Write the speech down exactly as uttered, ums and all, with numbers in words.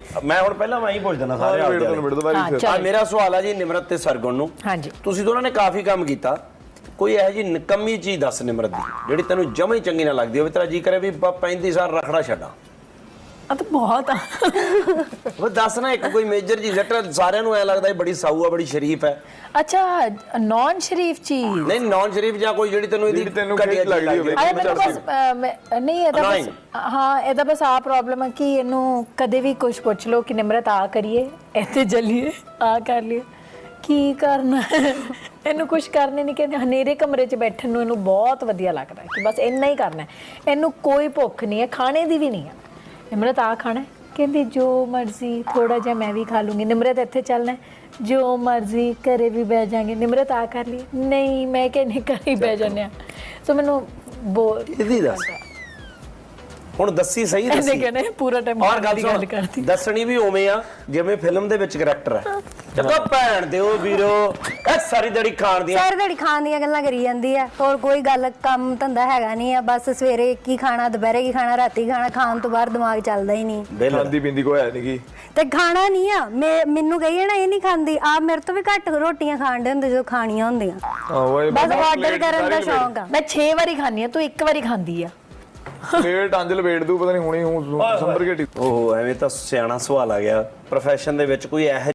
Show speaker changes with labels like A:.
A: ਮੈਂ ਹੁਣ ਪਹਿਲਾਂ ਮੈਂ ਹੀ ਪੁੱਛ ਦਿੰਦਾ ਸਾਰੇ
B: ਵੇਟ ਤੋਂ ਵੇਟ ਦੁਬਾਰੀ
A: ਆ ਮੇਰਾ ਸਵਾਲ ਆ ਜੀ ਨਿਮਰਤ ਤੇ ਸਰਗੁਣ ਨੂੰ।
C: ਹਾਂਜੀ
A: ਤੁਸੀਂ ਦੋਨਾਂ ਨੇ ਕਾਫੀ ਕੰਮ ਕੀਤਾ, ਕੋਈ ਇਹੋ ਜੀ ਨਿਕੰਮੀ ਚੀਜ਼ ਦੱਸ ਨਿਮਰਤ ਦੀ ਜਿਹੜੀ ਤੈਨੂੰ ਜਮਾਂ ਹੀ ਚੰਗੀ ਨਾ ਲੱਗਦੀ ਹੋਵੇ, ਤੇਰਾ ਜੀ ਕਰੇ ਵੀ ਪੈਂਤੀ ਸਾਲ ਰਖੜਾ ਛੱਡਾਂ।
C: ਆ ਤਾਂ ਬਹੁਤ ਆ
A: ਉਹ ਦੱਸ ਨਾ ਇੱਕ ਕੋਈ ਮੇਜਰ ਜੀ ਸੈਟ, ਸਾਰਿਆਂ ਨੂੰ ਐ ਲੱਗਦਾ ਇਹ ਬੜੀ ਸਾਊ ਆ, ਬੜੀ ਸ਼ਰੀਫ ਹੈ।
C: ਅੱਛਾ ਨੌਨ ਸ਼ਰੀਫ ਚੀਜ਼
A: ਨਹੀਂ ਨੌਨ ਸ਼ਰੀਫ ਜਾਂ ਕੋਈ ਜਿਹੜੀ ਤੈਨੂੰ ਇਹਦੀ
B: ਤੈਨੂੰ
A: ਘਟੀਆ
B: ਲੱਗਦੀ
A: ਲੱਗਦੀ
B: ਹੋਵੇ।
C: ਅਰੇ ਮੈਨੂੰ ਬਸ ਅਹ, ਮੈਂ- ਨਹੀਂ ਇਹਦਾ ਬਸ ਹਾਂ ਇਹਦਾ ਬਸ ਆ ਪ੍ਰੋਬਲਮ ਹੈ ਕਿ ਇਹਨੂੰ ਕਦੇ ਵੀ ਕੁਝ ਪੁੱਛ ਲਓ ਕਿ ਨਿਮਰਤ ਆ ਕਰੀਏ, ਇੱਥੇ ਚੱਲੀਏ, ਆ ਕਰ ਲਈਏ, ਕੀ ਕਰਨਾ ਇਹਨੂੰ ਕੁਝ ਕਰਨੇ ਨਹੀਂ ਕਹਿੰਦੇ। ਹਨੇਰੇ ਕਮਰੇ 'ਚ ਬੈਠਣ ਨੂੰ ਇਹਨੂੰ ਬਹੁਤ ਵਧੀਆ ਲੱਗਦਾ ਕਿ ਬਸ ਇੰਨਾ ਹੀ ਕਰਨਾ, ਇਹਨੂੰ ਕੋਈ ਭੁੱਖ ਨਹੀਂ ਹੈ, ਖਾਣੇ ਦੀ ਵੀ ਨਹੀਂ ਹੈ। ਨਿਮਰਤ ਆ ਖਾਣਾ, ਕਹਿੰਦੀ ਜੋ ਮਰਜ਼ੀ, ਥੋੜਾ ਜਿਹਾ ਮੈਂ ਵੀ ਖਾ ਲੂੰਗੀ। ਨਿਮਰਤ ਇੱਥੇ ਚੱਲਣਾ, ਜੋ ਮਰਜ਼ੀ, ਘਰੇ ਵੀ ਬਹਿ ਜਾਾਂਗੇ। ਨਿਮਰਤ ਆ ਕਰ ਲਈ, ਨਹੀਂ ਮੈਂ ਕਹਿੰਦੀ ਘਰੇ ਹੀ ਬਹਿ ਜਾਂਦੇ ਆ। ਸੋ ਮੈਨੂੰ ਬੋਲ
A: ਇਹਦੀ ਦੱਸ ਹੁਣ ਦੱਸੀ ਸਹੀ
C: ਇਹਨੇ
A: ਦੱਸੀ
C: ਕਹਿੰਦੇ ਪੂਰਾ ਟਾਈਮ
A: ਔਰ ਗੱਲ
C: ਗੱਲ
A: ਸੁਣ
C: ਕਰਦੀ।
A: ਦੱਸਣੀ ਵੀ ਉਵੇਂ ਆ ਜਿਵੇਂ ਫਿਲਮ ਦੇ ਵਿੱਚ ਕਰੈਕਟਰ ਹੈ। ਜਦੋਂ ਭੈਣ ਦੇ ਉਹ ਵੀਰੋ ਇਹ ਸਾਰੀ ਦੜੀ ਖਾਣ ਦੀਆਂ
D: ਸਾਰੀ ਦਿਹਾੜੀ ਖਾਣ ਦੀਆਂ ਗੱਲਾਂ ਕਰੀ ਜਾਂਦੀ ਆ, ਹੋਰ ਕੋਈ ਗੱਲ ਕੰਮ ਧੰਦਾ ਹੈਗਾ ਨਹੀਂ ਆ। ਬਸ ਸਵੇਰੇ ਕੀ ਖਾਣਾ, ਦੁਪਹਿਰੇ ਕੀ ਖਾਣਾ, ਰਾਤੀ ਖਾਣਾ, ਖਾਣ ਤੋਂ ਬਾਅਦ ਦਿਮਾਗ ਚੱਲਦਾ ਹੀ ਨਹੀਂ।
B: ਖਾਂਦੀ ਪੀਂਦੀ ਕੋਈ ਹੈ ਨਹੀਂ ਗੀ
D: ਤੇ ਖਾਣਾ ਨਹੀਂ ਆ, ਮੈਂ ਮੈਨੂੰ ਕਹੀਏ ਨਾ ਇਹ ਨਹੀਂ ਖਾਂਦੀ, ਆ ਮੇਰੇ ਤੋਂ ਵੀ ਘੱਟ ਰੋਟੀਆਂ ਖਾਣ ਦੇ ਹੁੰਦੇ ਜੋ ਖਾਣੀਆਂ ਹੁੰਦੀਆਂ।
B: ਓਏ
D: ਬਸ ਆਰਡਰ ਕਰਨ ਦਾ ਸ਼ੌਂਕ ਆ।
C: ਮੈਂ ਛੇ ਵਾਰੀ ਖਾਂਦੀ ਆ, ਤੂੰ ਇੱਕ ਵਾਰੀ ਖਾਂਦੀ ਆ।
B: ਪਲੇਟ ਅੰਜਲ ਵੇਟ ਦੂ ਪਤਾ ਨਹੀਂ ਹੁਣੀ ਹੂੰ ਸੰਭਰ ਕੇ
A: ਉਹ ਐਵੇਂ ਤਾਂ ਸਿਆਣਾ ਸਵਾਲ ਆ ਗਿਆ। ਪ੍ਰੋਫੈਸ਼ਨ ਦੇ ਵਿੱਚ ਕੋਈ ਇਹ